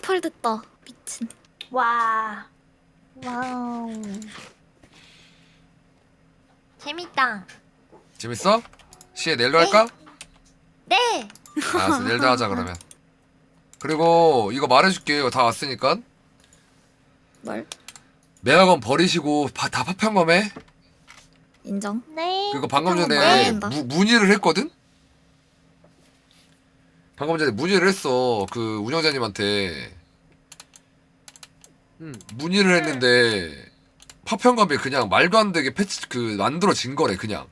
펄 됐다. 미친. 와. 와우. 재밌다. 재밌어? 시에 내일도 할까? 네. 알았어, 내일도 하자 그러면. 그리고 이거 말해줄게. 이거 다 왔으니까. 뭘? 매학원 버리시고 다 파편검해. 인정. 네. 그리고 방금 파편검 전에 말해야 된다. 문의를 했거든? 방금 전에 문의를 했어. 그 운영자님한테. 문의를 했는데 파편검이 그냥 말도 안 되게 만들어진 거래 그냥.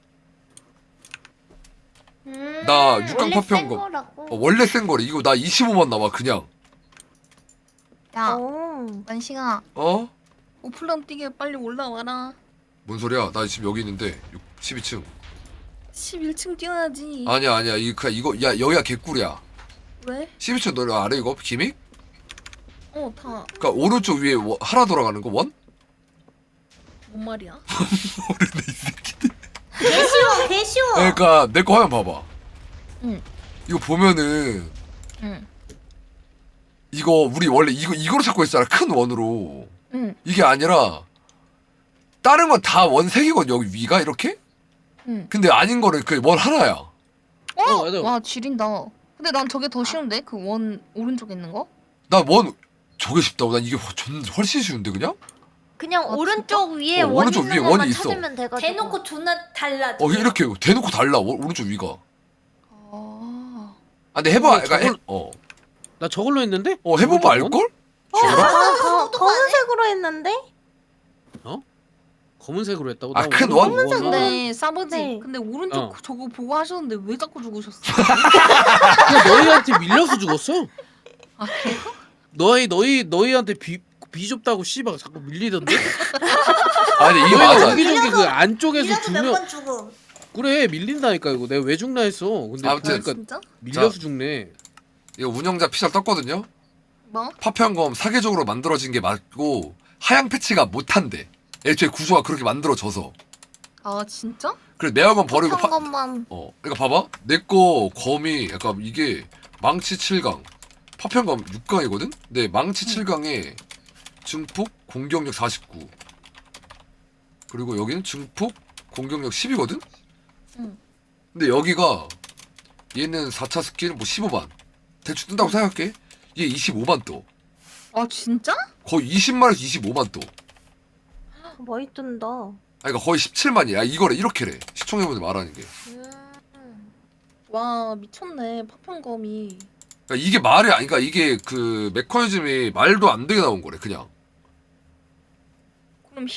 나 육강 파편검 원래 센 거래. 이거 나 25만 남아 그냥. 야, 오. 만식아, 어? 오플런 뛰게 빨리 올라와라. 뭔 소리야? 나 지금 여기 있는데 12층. 11층 뛰어야지. 아니야 이거 야 여기가 개꿀이야. 왜? 12층 너 알아 이거 기믹? 다. 그니까 오른쪽 위에 하나 돌아가는 거 원? 뭔 말이야? 모르네 이 새끼들. 개 쉬워, 개 쉬워. 그러니까 내 거 화면 봐봐. 응. 이거 보면은 응. 이거 우리 원래 이거로 찾고 있잖아. 큰 원으로. 응. 이게 아니라 다른 건 다 원 3개거든 여기 위가 이렇게? 응. 근데 아닌 거는 그 원 하나야. 맞아. 와, 지린다. 근데 난 저게 더 쉬운데? 그 원 오른쪽에 있는 거? 나 원 저게 쉽다고. 난 이게 훨씬 쉬운데 그냥? 그냥 오른쪽 위에 어, 원 오른쪽 있는 위에 것만 원이 있어. 찾으면 돼가지고. 대놓고 존나 달라. 이렇게 대놓고 달라. 오른쪽 위가. 아. 아 근데 해봐. 그러니까 나 저걸로 했는데? 해보면 알걸? 검은색으로 했는데? 검은색으로 했다고? 아, 나 큰 오른쪽 원? 근데 싸버지. 네. 근데 오른쪽 어. 저거 보고 하셨는데 왜 자꾸 죽으셨어? 그냥 너희한테 밀려서 죽었어. 아, 그래요? 너희한테 비좁다고 씨발 자꾸 밀리던데? 아니 이게 너희가 맞아. 여기저기 그 안쪽에서 이래도 두명 몇번 죽음. 그래 밀린다니까 이거 내가 왜 죽나 했어. 근데 아무튼. 그러니까 진짜? 밀려서 자. 죽네. 이거 운영자 피셜 떴거든요. 뭐? 파편검 사계적으로 만들어진 게 맞고 하향 패치가 못한대. 애초에 구조가 그렇게 만들어져서. 아, 진짜? 그래서 매화검 버리고 한 것만. 그러니까 봐봐. 내 거 검이 약간 이게 망치 7강, 파편검 6강이거든. 근데 망치 7강에 증폭 공격력 49. 그리고 여기는 증폭 공격력 10이거든. 응. 근데 여기가 얘는 4차 스킬 뭐 15만 대충 뜬다고 생각해. 얘 25만 떠. 아, 진짜? 거의 20만에서 25만 떠. 많이 뜬다. 그러니까 거의 17만이야. 이거를 이렇게래. 시청자분들 말하는 게. 와, 미쳤네. 파편검이. 그러니까 이게 말이 아니. 그러니까 이게 그 메커니즘이 말도 안 되게 나온 거래. 그냥. 그럼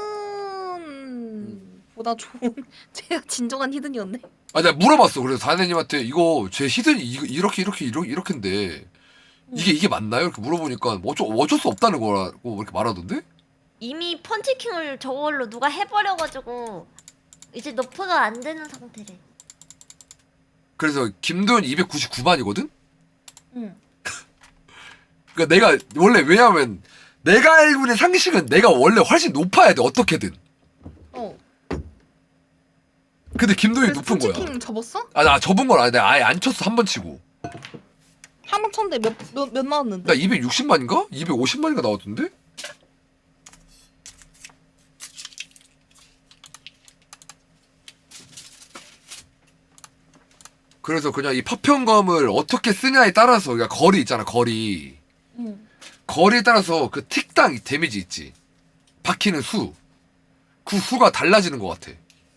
히든보다 좋은 제가 진정한 히든이었네. 아 내가 물어봤어. 그래서 다혜님한테 이거 제 히든이 이렇게인데 이게 맞나요? 이렇게 물어보니까 어쩔 수 없다는 거라고 이렇게 말하던데? 이미 펀치킹을 저걸로 누가 해버려가지고 이제 너프가 안 되는 상태래. 그래서 김도현 299만이거든? 응. 그러니까 내가 원래 왜냐면 내가 알고 있는 상식은 내가 원래 훨씬 높아야 돼. 어떻게든. 어. 근데 김도현이 그래서 높은 거야. 펀치킹 접었어? 아 나 접은 건 아닌데 아예 안 쳤어. 한 번 치고. 한 번 쳤는데 몇 나왔는데? 나 260만인가? 250만인가 나왔던데? 그래서 그냥 이 파편검을 어떻게 쓰냐에 따라서 그러니까 거리 있잖아. 거리에 응. 따라서 그 틱당 데미지 있지. 박히는 수. 그 수가 달라지는 것 같아.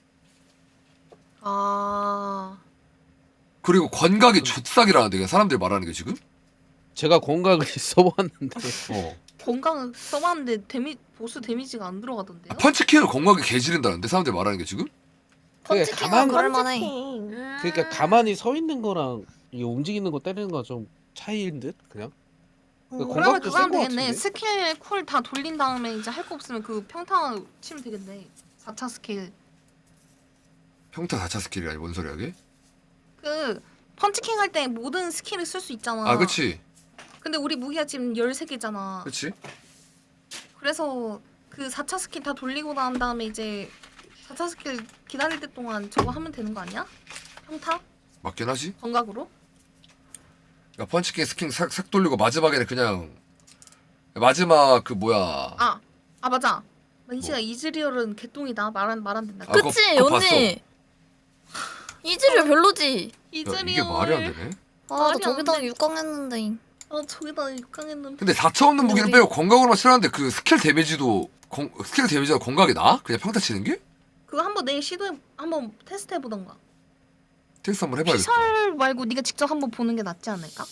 아. 그리고 권각이 좆삭이라는데 그냥 사람들이 말하는 게 지금? 제가 건강을 써봤는데 건강 써봤는데 보스 데미지가 안 들어가던데요? 아, 펀치킹을 권각이 개지른다는데 사람들이 말하는 게 지금? 그게 펀치킹은 가만 그럴만해. 그러니까 가만히 서 있는 거랑 이게 움직이는 거 때리는 거 좀 차이인 듯 그냥. 그러면 건강도 그거 하면 센거 되겠네. 같은데. 스킬 쿨 다 돌린 다음에 이제 할 거 없으면 그 평타 치면 되겠네. 4차 스킬. 평타 4차 스킬이 아니 뭔 소리야 이게? 그 펀치킹 할 때 모든 스킬을 쓸 수 있잖아. 아 그치 근데 우리 무기가 지금 13개잖아. 그치. 그래서 그 4차 스킬 다 돌리고 난 다음에 이제 4차 스킬 기다릴 때 동안 저거 하면 되는 거 아니야? 평타? 맞긴 하지. 정각으로? 그러니까 펀치킹 스킨 싹 돌리고 마지막에는 그냥 마지막 그 뭐야. 아 맞아. 만시가 이즈리얼은 개똥이다. 말 안 된다. 아, 그치 그거 언니. 이즈리얼 별로지. 야, 이즈리얼. 이게 말이 안 되네. 아 나 말이 안 저기다가 돼. 6강 했는데. 저기다 육강했는데. 근데 4차 없는 무기는 우리- 빼고 건강으로만 치라는데 그 스킬 데미지도 스킬 데미지가 건강이 나? 그냥 평타 치는 게? 그거 한번 내일 한번 테스트 해보던가. 테스트 한번 해봐야겠다. 피설 말고 네가 직접 한번 보는 게 낫지 않을까?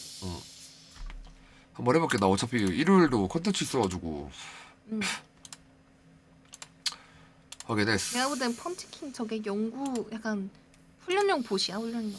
한번 해볼게. 나 어차피 일요일도 컨텐츠 있어가지고 응. 확인했어. 내가 볼 땐 펀치킹 저게 연구 약간 훈련용 보시야 훈련용.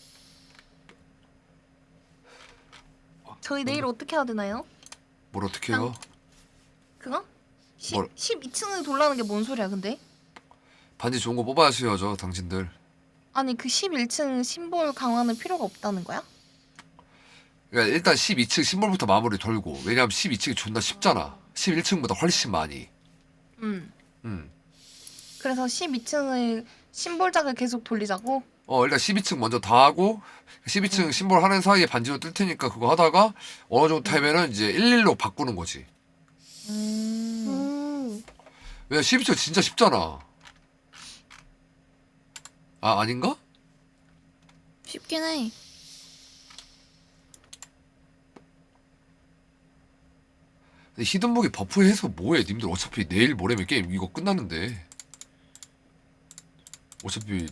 저희 내일 어떻게 해야 되나요? 뭘 어떻게 해요? 그거? 뭘? 12층을 돌라는 게 뭔 소리야 근데? 반지 좋은 거 뽑아야죠 당신들. 아니 그 11층 심볼 강화는 필요가 없다는 거야? 그러니까 일단 12층 심볼부터 마무리 돌고, 왜냐면 12층이 존나 쉽잖아. 11층보다 훨씬 많이. 응. 음. 그래서 12층을 심볼작을 계속 돌리자고? 일단 12층 먼저 다 하고 12층 심볼 하는 사이에 반지로 뜰 테니까 그거 하다가 어느 정도 타면은 이제 11로 바꾸는 거지. 왜냐면 12층 진짜 쉽잖아. 아, 아닌가? 쉽긴 해. 근데 히든북이 버프해서 뭐해? 님들 어차피 내일 모레면 게임 이거 끝나는데. 어차피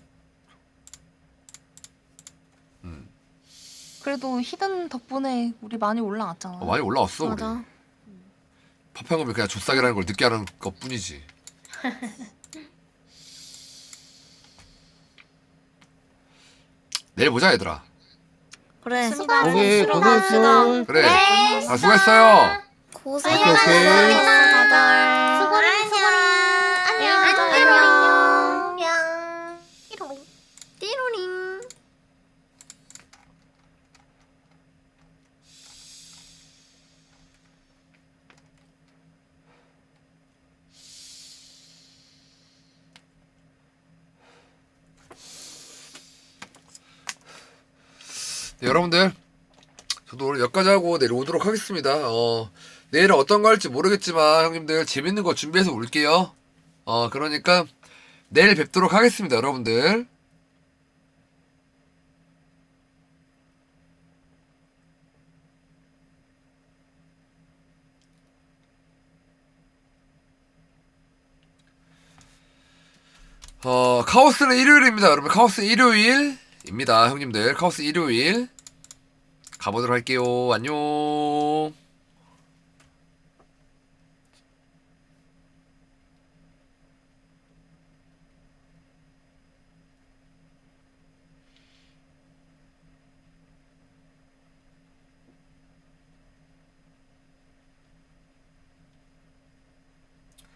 그래도 히든 덕분에 우리 많이 올라왔잖아. 많이 올라왔어 우리. 맞아. 파평은 그냥 조싸기라는 걸 늦게 하는 것 뿐이지. 내일 보자 얘들아. 그래. 수고하셨습니다. 고생했어. 그래. 아, 수고했어요. 고생하셨습니다 다들. 안녕. 띠로링. 네, 여러분들 저도 오늘 여기까지 하고 내일 오도록 하겠습니다. 내일은 어떤 거 할지 모르겠지만 형님들 재밌는 거 준비해서 올게요. 그러니까 내일 뵙도록 하겠습니다 여러분들. 카오스는 일요일입니다 여러분. 카오스 일요일입니다 형님들. 카오스 일요일 가보도록 할게요. 안녕.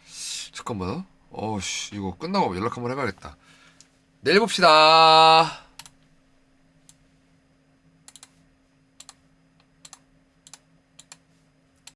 잠깐만. 이거 끝나고 연락 한번 해봐야겠다. 내일 봅시다.